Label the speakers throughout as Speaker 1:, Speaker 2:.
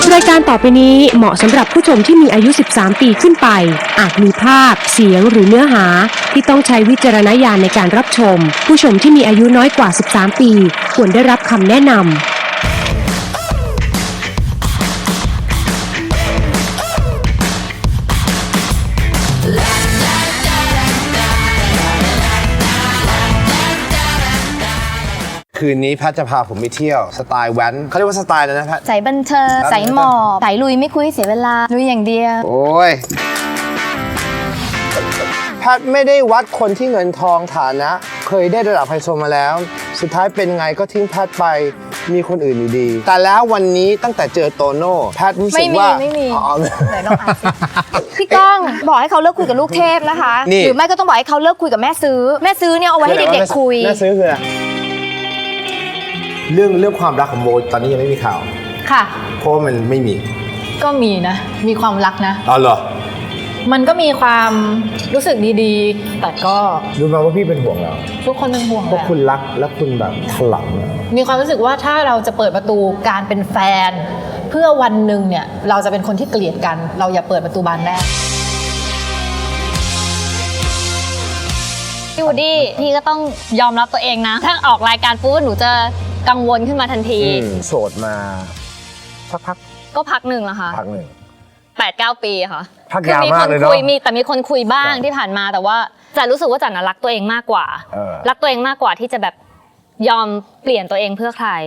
Speaker 1: รายการต่อไปนี้เหมาะสำหรับผู้ชมที่มีอายุ 13 ปีขึ้นไป อาจมีภาพ เสียงหรือเนื้อหาที่ต้องใช้วิจารณญาณในการรับชม ผู้ชมที่มีอายุน้อยกว่า 13 ปีควรได้รับคำแนะนำ
Speaker 2: คืนนี้แพทจะพาผมไปเที่ยวสไตล์แว้นเขาเรียกว่าสไตล์อะไรนะแพท
Speaker 3: สายบันเทิงสายหมอบสายลุยไม่คุยเสียเวลาลุยอย่างเดียว
Speaker 2: โอ้ยแพทไม่ได้วัดคนที่เงินทองฐานะ เคยได้ระดับไฮโซมาแล้ว สุดท้ายเป็นไงก็ทิ้งแพทไปมีคนอื่นอยู่ดี แต่แล้ววันนี้ตั้งแต่เจอโตโน่แพทรู้สึกว่า
Speaker 3: ไม่มีไหนลองอ่านสิพี่ก้องบอกให้เขาเลิกคุยกับลูกเทพนะคะหรือไม่ก็ต้องบอกให้เขาเลิกคุยกับแม่ซื้อเนี่ยเอาไว้ให้เด็กๆคุย
Speaker 2: แม่ซื้อคืออะไรเรื่องความรักของโบตอนนี้ยังไม่มีข่าว
Speaker 4: ค่ะ
Speaker 2: เพราะมันไม่มี
Speaker 4: ก็มีนะมีความรักนะ
Speaker 2: อ๋อเหรอ
Speaker 4: มันก็มีความรู้สึกดีๆแต่ก็
Speaker 2: รู้ไหมว่าพี่เป็นห่วงเรา
Speaker 4: ทุกคนเป็นห่วง
Speaker 2: เพราะคุณรักและคุณแบบถลัง
Speaker 4: มีความรู้สึกว่าถ้าเราจะเปิดประตูการเป็นแฟนเพื่อวันหนึ่งเนี่ยเราจะเป็นคนที่เกลียดกันเราอย่าเปิดประตูบานแรก
Speaker 3: พี่วูดดี้พี่ก็ต้องยอมรับตัวเองนะถ้าออกรายการปุ๊บหนูจะกังวลขึ้นมาทันที
Speaker 2: โสดมาสักพัก
Speaker 3: ก็พักหนึ่งแล้วค่ะ
Speaker 2: พักหนึ่ง
Speaker 3: 8-9 ปีค่ะ
Speaker 2: พักยาวมากเลยเนาะ
Speaker 3: แต่มีคนคุยบ้างที่ผ่านมาแต่ว่าจันรู้สึกว่าจันรักตัวเองมากกว่ารักตัวเองมากกว่าที่จะแบบยอมเปลี่ยนตัวเองเพื่อใคร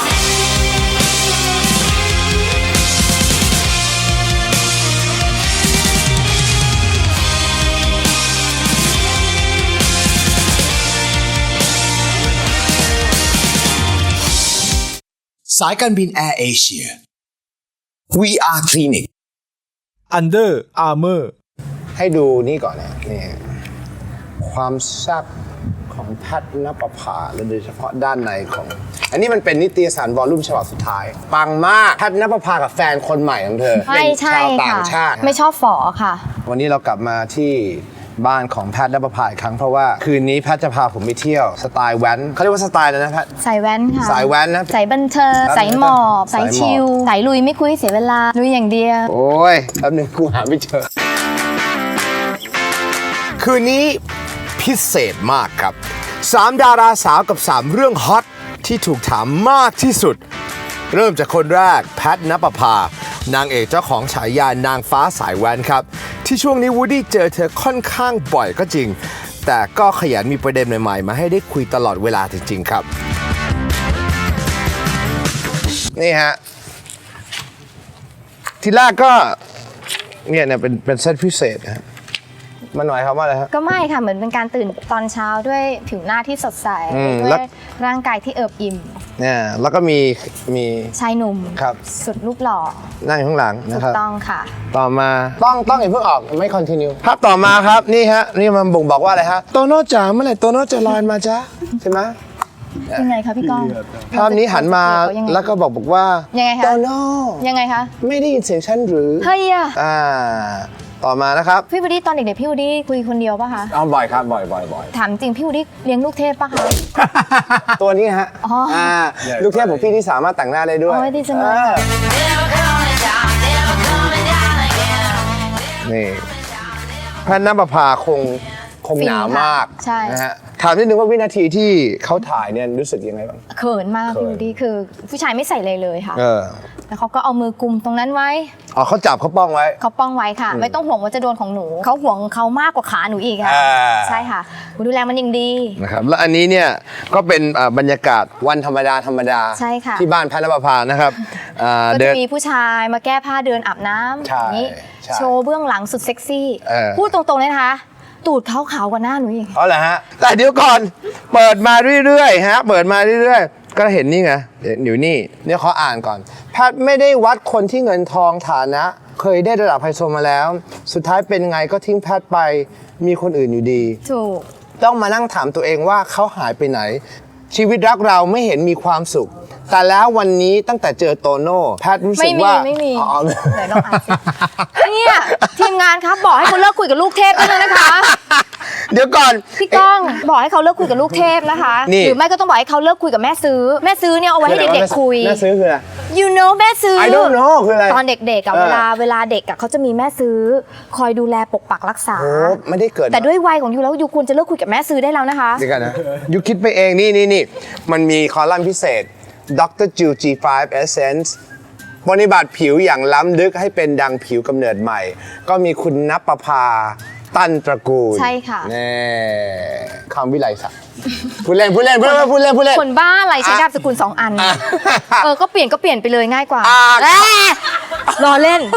Speaker 5: สายการบินแอร์เอเชีย VR Clinic Under Armour
Speaker 2: ให้ดูนี่ก่อนนะนี่ความแซ่บของแพทณปภาและโดยเฉพาะด้านในของอันนี้มันเป็นนิตยสารวอลลุ่มฉบับสุดท้ายปังมากแพทณปภากับแฟนคนใหม่ของเธอเป็นชาวต่างชาติ
Speaker 3: ไม่ชอบฝอค่ะ
Speaker 2: วันนี้เรากลับมาที่บ้านของแพทณปภาอีกครั้งเพราะว่าคืนนี้แพทจะพาผมไปเที่ยวสไตล์แว้นเขาเรียกว่าสไตล์อะไรนะแพท
Speaker 3: สายแว้นค่ะ
Speaker 2: สายแว้นนะ
Speaker 3: สายบันเทิงสายหมอบสายชิลสายลุยไม่คุยเสียเวลาลุยอย่างเดียว
Speaker 2: โอ้ยแป๊บนึงกูหาไม่เจอคืนนี้พิเศษมากครับ3ดาราสาวกับ3เรื่องฮอตที่ถูกถามมากที่สุดเริ่มจากคนแรกแพทณปภานางเอกเจ้าของฉายานางฟ้าสายแว้นครับที่ช่วงนี้วูดดี้เจอเธอค่อนข้างบ่อยก็จริงแต่ก็ขยันมีประเด็นใหม่ๆมาให้ได้คุยตลอดเวลาจริงๆครับนี่ฮะทีแรกก็เนี่ยเป็นเซตพิเศษนะมันหมายความว่าอะไรครับ
Speaker 3: ก็ไม่ค่ะเหมือนเป็นการตื่นตอนเช้าด้วยผิวหน้าที่สดใสด้วยร่างกายที่เอิบอิ่ม
Speaker 2: เนี่ยแล้วก็มี
Speaker 3: ชายหนุ่ม
Speaker 2: ครับ
Speaker 3: สุดรูปหล่อ
Speaker 2: นั่งอยู่ข้างหลังนะครับ
Speaker 3: ถูกต้องค่ะ
Speaker 2: ต่อมาต้องอย่าเพิ่งออกไม่คอนติเนียภาพต่อมาครับนี่ฮะนี่มันบ่งบอกว่าอะไรฮะโตโน่จ๋าเมื่อไหร่โตโน่จะลอยมาจ๊ะใช่ไหม
Speaker 3: ยังไงคะพี่ก้อง
Speaker 2: ภาพนี้หันมาแล้วก็บอกว่า
Speaker 3: ยังไงคะ
Speaker 2: โตโน่
Speaker 3: ยังไงคะ
Speaker 2: ไม่ได้ยินเสียงฉันหรือ
Speaker 3: เฮ้ย
Speaker 2: ต่อมานะครับ
Speaker 3: พี่วูดดี้ตอนเด็กๆพี่วูดดี้คุยคนเดียวป่ะคะ
Speaker 2: บ่อยครับบ่อย
Speaker 3: ถามจริงพี่วูดดี้เลี้ยงลูกเทพป่ะคะ
Speaker 2: ตัวนี้ฮะลูกเทพของพี่ที่สามารถแต่งหน้าได้ด้วย
Speaker 3: ดีจังเลย
Speaker 2: นี่แพทณปภาคงหนามากนะฮะถามนิดนึงว่าวินาทีที่เขาถ่ายเนี่ยรู้สึกยังไงบ้าง
Speaker 3: เขินมากพี่วูดดี้คือผู้ชายไม่ใส่เลยค่ะแล้วเขาก็เอามือกุมตรงนั้นไว้
Speaker 2: เขาจับเขาป้องไว้
Speaker 3: ค่ะไม่ต้องห่วงว่าจะโดนของหนูเขาห่วงเขามากกว่าขาหนูอีกค่ะใช่ค่ะดูแลมันยิ่งดี
Speaker 2: นะครับแล้วอันนี้เนี่ยก็เป็นบรรยากาศวันธรรมดา
Speaker 3: ใช่ค่ะ
Speaker 2: ที่บ้านแพทณปภานะครับ
Speaker 3: ก็จะมีผู้ชายมาแก้ผ้าเดินอาบน้ำอย่างนี้โชว์เบื้องหลังสุดเซ็กซี่พูดตรงๆเลยนะคะตูดเขาขาวกว่าหน้าหนูอีก
Speaker 2: เหรอฮะแต่เดี๋ยวก่อนเปิดมาเรื่อยๆฮะเปิดมาเรื่อยๆก็เห็นนี่ไงอยู่นี่เนี่ยเขาอ่านก่อนแพทไม่ได้วัดคนที่เงินทองฐานะเคยได้ระดับไฮโซมาแล้วสุดท้ายเป็นไงก็ทิ้งแพทไปมีคนอื่นอยู่ดี
Speaker 3: ถูก
Speaker 2: ต้องมานั่งถามตัวเองว่าเขาหายไปไหนชีวิตรักเราไม่เห็นมีความสุขแต่แล้ววันนี้ตั้งแต่เจอโตโน่แพทรู้สึกว่า
Speaker 3: ไม่มีไหนลองอ่านสิเนี่ยทีมงานครับบอกให้คุณเลิกคุยกับลูกเทพด้วยนะคะ
Speaker 2: เดี๋ยวก่อน
Speaker 3: พี่ก้องบอกให้เขาเลิกคุยกับลูกเทพนะคะ
Speaker 2: นี่
Speaker 3: หรือไม่ก็ต้องบอกให้เขาเลิกคุยกับแม่ซื้อแม่ซื้อเนี่ยเอาไว้ให้เด็กๆคุย
Speaker 2: แม่ซื้อคืออะไร
Speaker 3: you know แม่ซื้อ
Speaker 2: I don't know คืออะไร
Speaker 3: ตอนเด็กๆอะเวลาเด็กอะเขาจะมีแม่ซื้อคอยดูแลปกปักรักษา
Speaker 2: โอ้ไม่ได้เกิด
Speaker 3: แต่ด้วยวัยของยูแล้วยูควรจะเลิกคุยกับแม่ซื้อได้แล้วนะคะ
Speaker 2: เดี๋ยวกันนะยูคิดไปเองนี่มันมีคอลัมน์พิเศษ Dr. Jill G5 Essence ปฏิบัติผิวอย่างล้ำลึกให้เป็นดังผิวกำเนิดใหม่ ก็มีคุณณปภาตั้นตระกูล
Speaker 3: ใช่ค่ะ
Speaker 2: แน่คำวิไลศักดิ์พูดเล่น
Speaker 3: คนบ้าอะไรใช้นามสกุล2 อัน ก็เปลี่ยนไปเลยง่ายกว่า
Speaker 2: อ่ะ
Speaker 3: ล้อเล่น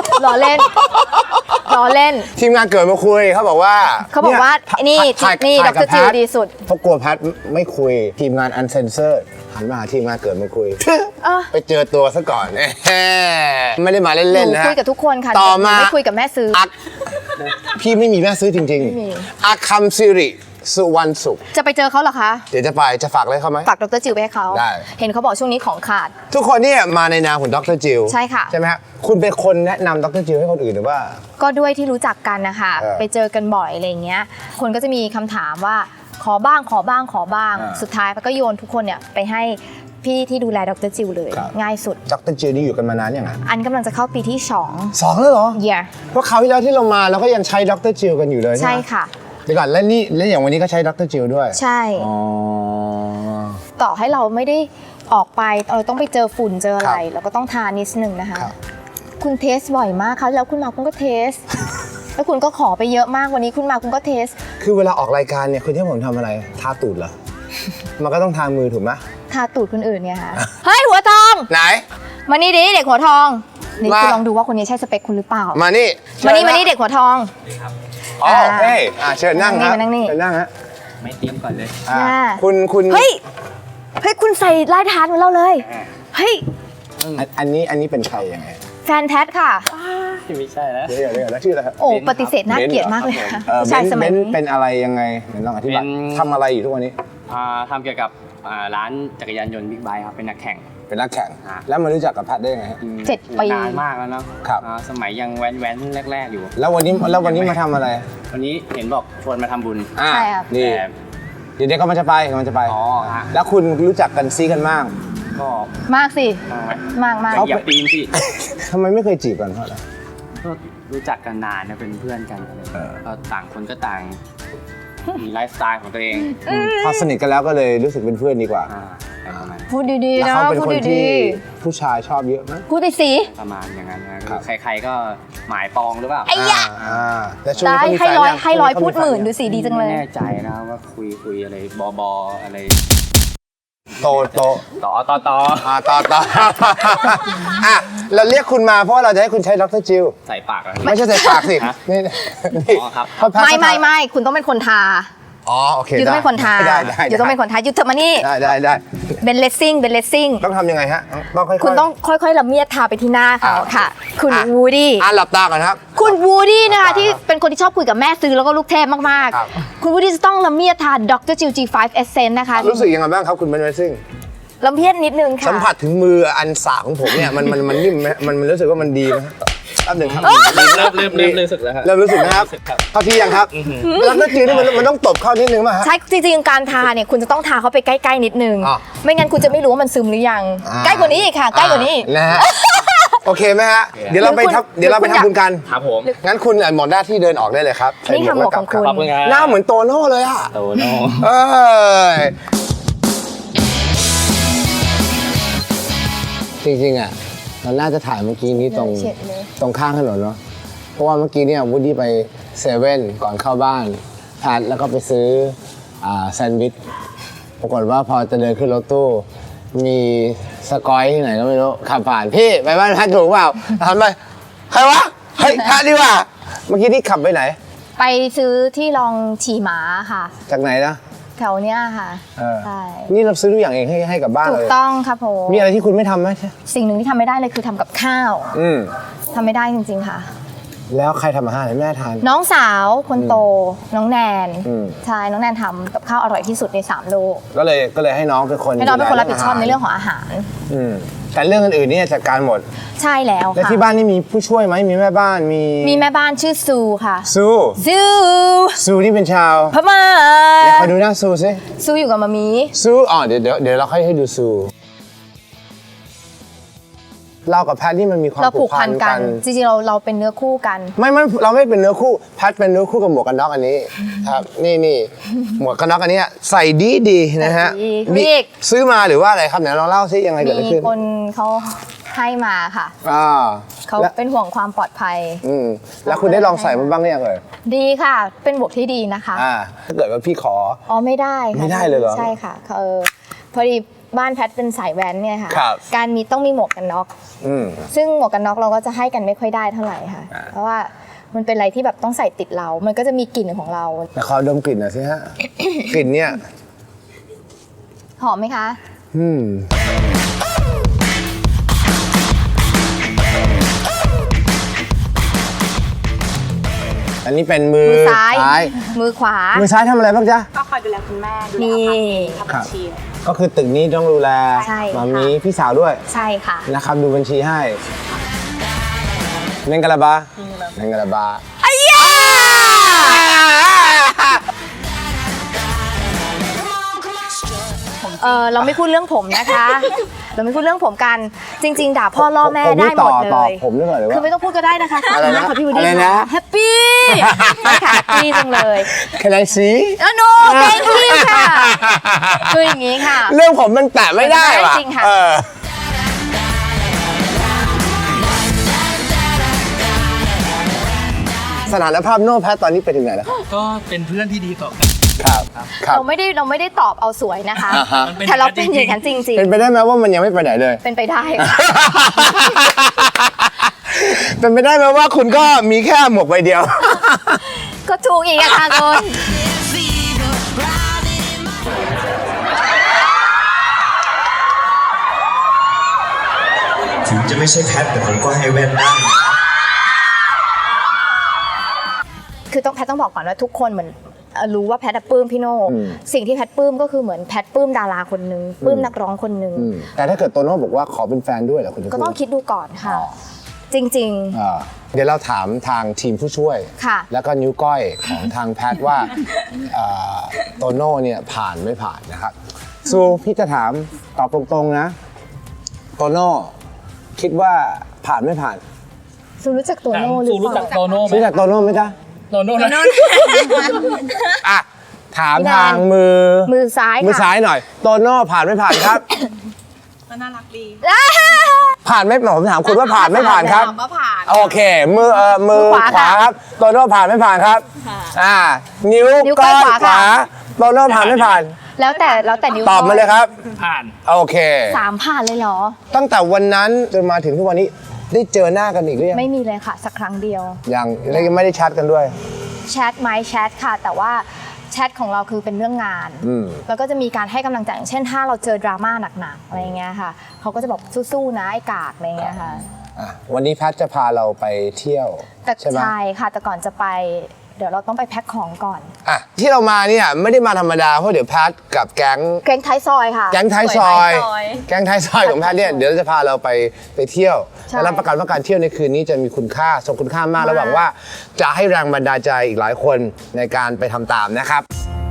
Speaker 2: ทีมงานเกิดมาคุยเขาบอกว่า
Speaker 3: นี่
Speaker 2: ถ่าย
Speaker 3: นี่
Speaker 2: ถ่ายกับ
Speaker 3: ดร. จิว
Speaker 2: แพท
Speaker 3: ดีสุด
Speaker 2: เพราะกลัวแพทไม่คุยทีมงานอันเซนเซอร์หันมาหาทีมงานเกิดมาคุย ไปเจอตัวซะก่อนไม่ได้มา
Speaker 3: ห
Speaker 2: เล่น
Speaker 3: นู
Speaker 2: ๆนะ
Speaker 3: คุยกับทุกคนค่ะ
Speaker 2: ต่อมา
Speaker 3: หนูไม่คุยกับแม่ซื้อ
Speaker 2: พี่ไม่มีแม่ซื้อจริง
Speaker 3: ไม่มี
Speaker 2: ๆอาคัมซิริสุวรรณสุข
Speaker 3: จะไปเจอเขาเหรอคะ
Speaker 2: เดี๋ยวจะฝากอะไรเขาไหม
Speaker 3: ฝากดร. จิวไปให้เขา
Speaker 2: ได้
Speaker 3: เห็นเขาบอกช่วงนี้ของขาด
Speaker 2: ทุกคนเนี่ยมาในนามของดรจิล
Speaker 3: ใช่ค่ะ
Speaker 2: ใช่ไหมฮะคุณเป็นคนแนะนำดรจิลให้คนอื่นหรือว่า
Speaker 3: ก็ด้วยที่รู้จักกันนะคะ
Speaker 2: เออ
Speaker 3: ไปเจอกันบ่อยอะไรอย่างเงี้ย คนก็จะมีคำถามว่าขอบ้าง สุดท้ายก็โยนทุกคนเนี่ยไปให้พี่ที่ดูแลดร. จิวเลย
Speaker 2: ครับ
Speaker 3: ง่ายสุด
Speaker 2: ดรจิลนี่อยู่กันมานานยังไง
Speaker 3: อันกำลังจะเข้าปีที่
Speaker 2: สองแล้วเหรอ
Speaker 3: 2 year
Speaker 2: เพราะคราวที่แล้วที่เรามาเราก็ยังใช้ดรจิลกันอยู่เลยใช่
Speaker 3: ใช่
Speaker 2: ไหม
Speaker 3: ค่ะ
Speaker 2: เดี๋ยวก่อนแล้วอย่างวันนี้ก็ใช้ดรจิลด้วย
Speaker 3: ใช่
Speaker 2: อ๋อ
Speaker 3: ต่อให้เราไม่ได้ออกไปเราต้องไปเจอฝุ่นเจออะไร
Speaker 2: ครับ
Speaker 3: เราก็ต้องทานิดนึงนะคะ
Speaker 2: ครับ
Speaker 3: คุณเทสบ่อยมากค่ะแล้วคุณมาคุณก็เทส แล้วคุณก็ขอไปเยอะมากวันนี้คุณมาคุณก็เทส
Speaker 2: คือเวลาออกรายการเนี่ยคุณที่ผมทำอะไรทาตูดเหรอ มันก็ต้องทามือถูกไหม
Speaker 3: ทาตูดคนอื่นเนี่ยค่ะ เฮ้ยหัวทอง
Speaker 2: ไหน
Speaker 3: มานี่ดิเด็กหัวทองนี่
Speaker 2: มา
Speaker 3: คุณลองดูว่าคนนี้ใช่สเปคคุณหรือเปล่า
Speaker 2: มานี่
Speaker 3: มานี่
Speaker 2: ชิญะ
Speaker 3: มานี่เด็กหัวทอง
Speaker 2: อ๋อโอเคเชิญนั่งครับ
Speaker 3: มานั่งนี่
Speaker 2: เชิญนั่งฮะ
Speaker 6: ไม่เตรียมก่อนเลย
Speaker 2: อ่า
Speaker 3: อ่า
Speaker 2: คุณ
Speaker 3: เฮ้ยคุณใส่ลายทานเหมือนเราเลยเฮ้ย
Speaker 2: อันนี้เป็นใครยังไง
Speaker 3: แฟนแท้ค่ะ
Speaker 6: ไม่ใช่แล้ว
Speaker 2: เดี๋ยวแล้วชื่ออะไรครับ
Speaker 3: โอ้
Speaker 6: เบนซ์ครับ
Speaker 3: ปฏิเสธน่าเกลียดมากเลยค่ะ
Speaker 2: เอ่อ
Speaker 3: ผู้ชายสมัย
Speaker 2: เบน
Speaker 3: นี้
Speaker 2: ซ์เป็นอะไรยังไงเดี๋ยวลองอธิบาย
Speaker 6: เป็น
Speaker 2: ทำอะไรอยู่ทุกวันนี้
Speaker 6: ทำเกี่ยวกับร้านจักรยานยนต์บิ๊กไบค์ครับ เป็นนักแข่ง
Speaker 2: เป็นนักแข่ง
Speaker 6: อ่า
Speaker 2: แล้วมารู้จักกับแพทได้ยังไงฮะ
Speaker 3: 7 ปี
Speaker 6: นานมากแล้วเนาะ
Speaker 2: ครับ
Speaker 6: สมัยยังแว้นแรก ๆ อยู่
Speaker 2: แล้ววันนี้มาทำอะไร
Speaker 6: วันนี้เห็นบอกชวนมาทำบุญ
Speaker 3: ใช่ครับ
Speaker 2: นี่
Speaker 6: แต่
Speaker 2: เดี๋ยวก็มันจะไป
Speaker 6: อ๋อฮะ
Speaker 2: แล้วคุณรู้จักกันซีกันมาก
Speaker 6: ก็
Speaker 3: มากสิ
Speaker 6: มากไหม
Speaker 3: มาก
Speaker 6: อย่าปีนสิ
Speaker 2: ทำไมไม่เคยจีบกันเพราะอะไร
Speaker 6: ก็รู้จักกันนานนะเป็นเพื่อนกันอะไร
Speaker 2: เออ
Speaker 6: ก็ต่างคนก็ต่างมีไลฟ์สไตล์ของตัวเอง
Speaker 2: พอสนิทกันแล้วก็เลยรู้สึกเป็นเพื่อนดีกว่า
Speaker 6: อะไรประมาณ
Speaker 3: พูดดีๆ
Speaker 2: แล้ว
Speaker 3: นะ
Speaker 2: เขาเป็น
Speaker 3: พูด
Speaker 2: คน
Speaker 3: ดี
Speaker 2: ที่ผู้ชายชอบเยอะไหม
Speaker 3: ๆพูดไปสิ
Speaker 6: ประมาณอย่างนั้นนะคือใครๆก็หมายปองหรือเปล่า
Speaker 3: ไอ้ยะ
Speaker 2: แต่ช่วง
Speaker 3: ได้
Speaker 2: นี้เขามี
Speaker 3: ให้
Speaker 2: แฟน
Speaker 3: ร้อย
Speaker 2: ยัง
Speaker 3: ให้ร้อย
Speaker 2: ช่วง
Speaker 3: พู
Speaker 2: นี้
Speaker 3: ด
Speaker 2: เขา
Speaker 3: หมื่น
Speaker 2: แฟ
Speaker 3: ดูสิดีจังเลย
Speaker 6: ไม่แน่ใจนะว่าคุยอะไรบออะไร
Speaker 2: โต
Speaker 6: ต่อ
Speaker 2: ต่ออ่ะเราเรียกคุณมาเพราะว่าเราจะให้คุณใช้ดรจิล
Speaker 6: ใส่ปากอะไร
Speaker 2: ไม่ใช่ใส่ปากสิ
Speaker 6: ฮะ
Speaker 2: นี่
Speaker 6: อ๋อครับ
Speaker 2: เขาแพ้
Speaker 3: ไม่คุณต้องเป็นคนทา
Speaker 2: อ๋อโอเค
Speaker 3: อยู่ต้องเป็นคนทา
Speaker 2: ได้
Speaker 3: อยู่ต้องเป็นคนทาอยู่เถอะมานี่
Speaker 2: ได้
Speaker 3: เป็นเลสซิ่ง
Speaker 2: ต้องทำยังไงฮะต้องค่อยๆ
Speaker 3: คุณต้องค่อยๆละเมียดทาไปที่หน้าเขาค่ะ คุณวูดี้
Speaker 2: หลับตาก่อนครับ
Speaker 3: คุณวูดี้นะคะที่เป็นคนที่ชอบคุยกับแม่ซื้อแล้วก็ลูกเทพมาก
Speaker 2: ครับ
Speaker 3: ๆ คุณวูดี้จะต้องละเมียดทาดร. จิว G5 Essence นะคะ
Speaker 2: รู้สึกยังไงบ้างครับคุณเบนเวซิ่ง
Speaker 3: ละเมียดนิดนึงค่ะ
Speaker 2: สัมผัสถึงมืออันสากของผมเนี่ยมันนิ่มไหมมันรู้สึกว่ามันดีไหมแป๊บหนึ่งครับ
Speaker 6: เริ่มรู้สึกแล้วครับ
Speaker 2: เริ่มรู้สึกนะครับเข้าที่ยังครับแล้วก็จีนี่มันต้องตบเข้านิดนึงป่ะฮะ
Speaker 3: ใช่จริงๆการทาเนี่ยคุณจะต้องทาเขาไปใกล้ๆนิดนึง
Speaker 2: อ่ะ
Speaker 3: ไม่งั้นคุณจะไม่รู้ว่ามันซึมหรือยัง ใกล้กว่านี้อีกค่ะ ใกล้กว่านี้อีก
Speaker 2: นะฮะโอเคไหมฮะเดี๋ยวเราไป
Speaker 3: หรือคุณ
Speaker 2: เดี๋ยวเราไป
Speaker 3: หรือคุณ
Speaker 2: ทำบุญกัน
Speaker 6: ครับผม
Speaker 2: งั้นคุณหมดหน้าที่เดินออกได้เลยครับ
Speaker 3: นี่ค่ะหมวกของคุณ
Speaker 6: ขอบคุณครับ
Speaker 2: หน้าเหมือนโตโน่เลยอ่ะ
Speaker 6: โตโน่
Speaker 2: เอ้ยจริงๆอ่ะเราน่าจะถ่ายเมื่อกี้นี้ตรง
Speaker 3: เฉียดเลย
Speaker 2: ตรงข้างถนนเนาะเพราะว่าเมื่อกี้เนี่ยวูดดี้ไปเซเว่นก่อนเข้าบ้านแพทแล้วก็ไปซื้อแซนด์วิชปรากฏว่าพอจะเดินขึ้นรถตู้มีสกอยที่ไหนก็ไม่รู้ขับผ่านพี่ไปบ้านแพทถูกเปล่าหันไปใครวะเฮ้ยแพทดีกว่าเมื่อกี้ที่ขับไปไหน
Speaker 3: ไปซื้อที่ลองฉี่หมาค่ะ
Speaker 2: จากไหนนะ
Speaker 3: แถวเนี้ยค่ะ
Speaker 2: เออ
Speaker 3: ใช่
Speaker 2: นี่เราซื้อทุกอย่างเองให้กับบ้าน
Speaker 3: ถู
Speaker 2: เล
Speaker 3: ก
Speaker 2: ย
Speaker 3: ต้องครับผม
Speaker 2: มีอะไรที่คุณไม่ทำไหม
Speaker 3: สิ่งหนึ่งที่ทำไม่ได้เลยคือทำกับข้าว
Speaker 2: อืม
Speaker 3: ทำไม่ได้จริงๆค่ะ
Speaker 2: แล้วใครทำอาหารให้แม่ทาน
Speaker 3: น้องสาวคนโตน้องแนน
Speaker 2: อืม
Speaker 3: ใช่น้องแนนทำกับข้าวอร่อยที่สุดใน3 โลก
Speaker 2: ก็เลยให้น้องเป็นคน
Speaker 3: ให้น้องเป็นคนรับผิดชอบในเรื่องของอาหาร
Speaker 2: อืมแต่เรื่องอื่นๆเนี่ยจัดการหมด
Speaker 3: ใช่แล้ว
Speaker 2: แล้ว
Speaker 3: ค่ะ
Speaker 2: ที่บ้านนี่มีผู้ช่วยไหมมีแม่บ้านมี
Speaker 3: แม่บ้านชื่อซูค่ะ
Speaker 2: ซู
Speaker 3: ซู
Speaker 2: ซูนี่เป็นชาว
Speaker 3: พม่า
Speaker 2: เดี๋ยวขอดูหน้าซูสิ
Speaker 3: ซูอยู่กับมามี
Speaker 2: ซูอ๋อเดี๋ยวเราค่อยให้ดูซูเรากับแพทนี่มันมีความ
Speaker 3: เราผู
Speaker 2: ผู
Speaker 3: ก
Speaker 2: ก
Speaker 3: พั
Speaker 2: พั
Speaker 3: น
Speaker 2: น
Speaker 3: กั
Speaker 2: กัน น
Speaker 3: จริงๆเราเป็นเนื้อคู่กัน
Speaker 2: ไม่เราไม่เป็นเนื้อคู่แพทเป็นเนื้อคู่กับหมวกกันน็อกอันนี้ครับนี่หมวกกันน็อกอันนี้ใส่ดีนะฮะ
Speaker 3: ใส่ดี
Speaker 2: มี
Speaker 3: พี่เอก
Speaker 2: ซื้อมาหรือว่าอะไรครับไหนลองเล่าซิยังไงเกิดอะไร
Speaker 3: มี
Speaker 2: ขึ้น
Speaker 3: คนเขาให้มาค่ะ เขา
Speaker 2: แล้ว
Speaker 3: เป็นห่วงความปลอดภัย
Speaker 2: แล้วคุณได้ลองใส่มันบ้างหรือยังเอ่ย
Speaker 3: ดีค่ะ เป็นบวกที่ดีนะคะ
Speaker 2: ถ้าเกิดว่าพี่ขอ
Speaker 3: อ๋อไม่ได้ค่ะ
Speaker 2: ไม่ได้เลยเหรอ
Speaker 3: ใช่ค่ะพอดีบ้านแพทเป็นสายแว้นเนี่ยค่ะ
Speaker 2: ครับ
Speaker 3: การต้องมีหมวกกันน็อก ซึ่งหมวกกันน็อกเราก็จะให้กันไม่ค่อยได้เท่าไหร่ค่ะ เพราะว่ามันเป็นอะไรที่แบบต้องใส่ติดเรา มันก็จะมีกลิ่นของเรา
Speaker 2: แต่ขอดมกลิ่นหน่อยสิฮะ กลิ่นเนี่ย
Speaker 3: หอมไหมคะ
Speaker 2: อันนี้เป็นมือ
Speaker 3: มือซ้าย มือขวา
Speaker 2: มือซ้ายทำอะไรบ้างจ๊ะ
Speaker 7: ก็คอยดูแลคุณแม่ดูแล
Speaker 3: นี่
Speaker 7: ทำบัญชี
Speaker 2: ก็คือตึกนี้ต้องดูแล
Speaker 3: ใช่ค่ะ
Speaker 2: มามีพี่สาวด้วย
Speaker 3: ใช่ค่ะ
Speaker 2: นะครับดูบัญชีให้เมงกะลาบาเมงกะลาบา
Speaker 3: เราไม่พูดเรื่องผมนะคะ เราไม่พูดเรื่องผมกัน จริง ๆ ด่าพ่อล่อแม่ได้หมดเล
Speaker 2: ต่อย ผมด้วยก่อนหรือว่า
Speaker 3: คือไม่ต้องพูดก็ได้นะคะ
Speaker 2: อะไรนะ
Speaker 3: ขอบพี่วูด
Speaker 2: อะไร
Speaker 3: ดี้
Speaker 2: นะ
Speaker 3: แฮปปี้ใช่ค่ะแฮปปี้จังเลย
Speaker 2: Can I see
Speaker 3: โน thank you ค่ะ คืออย่างนี้ค่ะ
Speaker 2: เรื่องผมมันแตะไม่ได้
Speaker 3: ไม่ได้
Speaker 2: ว่ะ
Speaker 3: จริงค่ะ
Speaker 2: สถานภาพโน้แพทตอนนี้ไปถึงไหนแล้ว
Speaker 6: ก็เป็นเพื่อนที่ดีต่อกัน
Speaker 2: ครับครับ
Speaker 3: เราไม่ได้ตอบเอาสวยนะคะ
Speaker 2: อ่าฮะ
Speaker 3: แต่เราเป็นอย่างนั้นจริง
Speaker 2: เป็นไปได้ไหมว่ามันยังไม่ไปไหนเลย
Speaker 3: ๆ เป็นไปได้ค่ะ
Speaker 2: เป็นไปได้ไหมว่าคุณก็มีแค่หมวกใบเดียว
Speaker 3: ก็ถูกอีกอะค่ะคุณ
Speaker 8: ถึงจะไม่ใช่แพทแต่ผมก็ให้แว่นได้
Speaker 3: คือแพทต้องบอกก่อนว่าทุกคนเหมือนรู้ว่าแพทปลื้มพี่โน่สิ่งที่แพทปลื้มก็คือเหมือนแพทปลื้มดาราคนหนึ่งปลื้มนักร้องคนหนึ่ง
Speaker 2: แต่ถ้าเกิดโตโน่บอกว่าขอเป็นแฟนด้วยเหรอคุณจะ
Speaker 3: ก็ต้องคิดดูก่อนค่ะ จริง
Speaker 2: เดี๋ยวเราถามทางทีมผู้ช่วย
Speaker 3: ค่ะ
Speaker 2: แล้วก็นิ้วก้อยของทางแพทย์ว่าโตโน่เนี่ยผ่านไม่ผ่านนะครับซูพี่จะถามตอบตรงๆนะโตโน่คิดว่าผ่านไม่ผ่าน
Speaker 3: ๆซูรู้จักตัวโน่หรือ
Speaker 6: ซู
Speaker 3: เป
Speaker 6: รู้จั
Speaker 3: ล่าก
Speaker 6: โตโน่ไหม
Speaker 2: รู้จักโตโน่ไหมจ๊ะ
Speaker 6: โตโน่นะ
Speaker 2: อ่ะถามทางมือ
Speaker 3: ซ้าย
Speaker 2: มือ
Speaker 3: ค่ะ
Speaker 2: ซ้ายหน่อยโตโน่ผ่านไม่ผ่านครับ
Speaker 7: ก็น่ารักดี
Speaker 2: ผ่านไม่ผมถามคุณว่าผ่านไม่ผ่านครับ
Speaker 7: ถามว่าผ่าน
Speaker 2: โอเค มือขวาครับโตโน่ผ่านไม่ผ่านครับนิ้ว
Speaker 3: นิ้วก้
Speaker 2: ก้
Speaker 3: อ
Speaker 2: อย ย
Speaker 3: ขวา
Speaker 2: ขวา
Speaker 3: ค่ะ
Speaker 2: โตโน่ผ่านไม่ผ่าน
Speaker 3: แล้วแต่นิ้ว
Speaker 2: ตอบมาเลยครับ
Speaker 6: ผ่าน
Speaker 2: โอเค
Speaker 3: 3 ผ่านเลยเหรอ
Speaker 2: ตั้งแต่วันนั้นจนมาถึงทุกวันนี้ได้เจอหน้ากันอีกหรือยัง
Speaker 3: ไม่มีเลยค่ะ สักครั้งเดียว
Speaker 2: ยังแล้วยังไม่ได้แชทกันด้วย
Speaker 3: แชทไหมแชทค่ะ แต่ว่าแชทของเราคือเป็นเรื่องงาน แล้วก็จะมีการให้กำลังใจอย่างเช่นถ้าเราเจอดราม่าหนักๆอะไรเงี้ยค่ะเขาก็จะบอกสู้ๆนะไอ้กากอะไรเงี้ยค่ะ
Speaker 2: วันนี้แพทจะพาเราไปเที่ยว
Speaker 3: แต่
Speaker 2: ใช่ไหม
Speaker 3: ใช่ค่ะแต่ก่อนจะไป เดี๋ยวเราต้องไปแพ็คของก่อน
Speaker 2: ที่เรามาเนี่ยไม่ได้มาธรรมดาเพราะเดี๋ยวแพทกับแก๊ง
Speaker 3: เกรงท้ายซอยค่ะ
Speaker 2: แก๊งท้ายซอยแก๊งท้ายซอยของแพทเนี่ยเดี๋ยวจะพาเราไปเที่ยว
Speaker 3: ใช่
Speaker 2: และรับประกันว่าการเที่ยวในคืนนี้จะมีคุณค่าทรงคุณค่ามากและหวังว่าจะให้แรงบันดาลใจอีกหลายคนในการไปทำตามนะครับ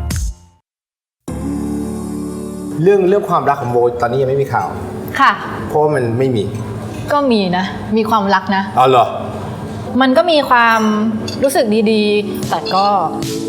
Speaker 2: เรื่องความรักของโบตอนนี้ยังไม่มีข่าว
Speaker 4: ค่ะ
Speaker 2: เพราะว่ามันไม่มี
Speaker 4: ก็มีนะ มีความรักนะ
Speaker 2: อ๋อเหรอ
Speaker 4: มันก็มีความรู้สึกดีๆ แต่ก็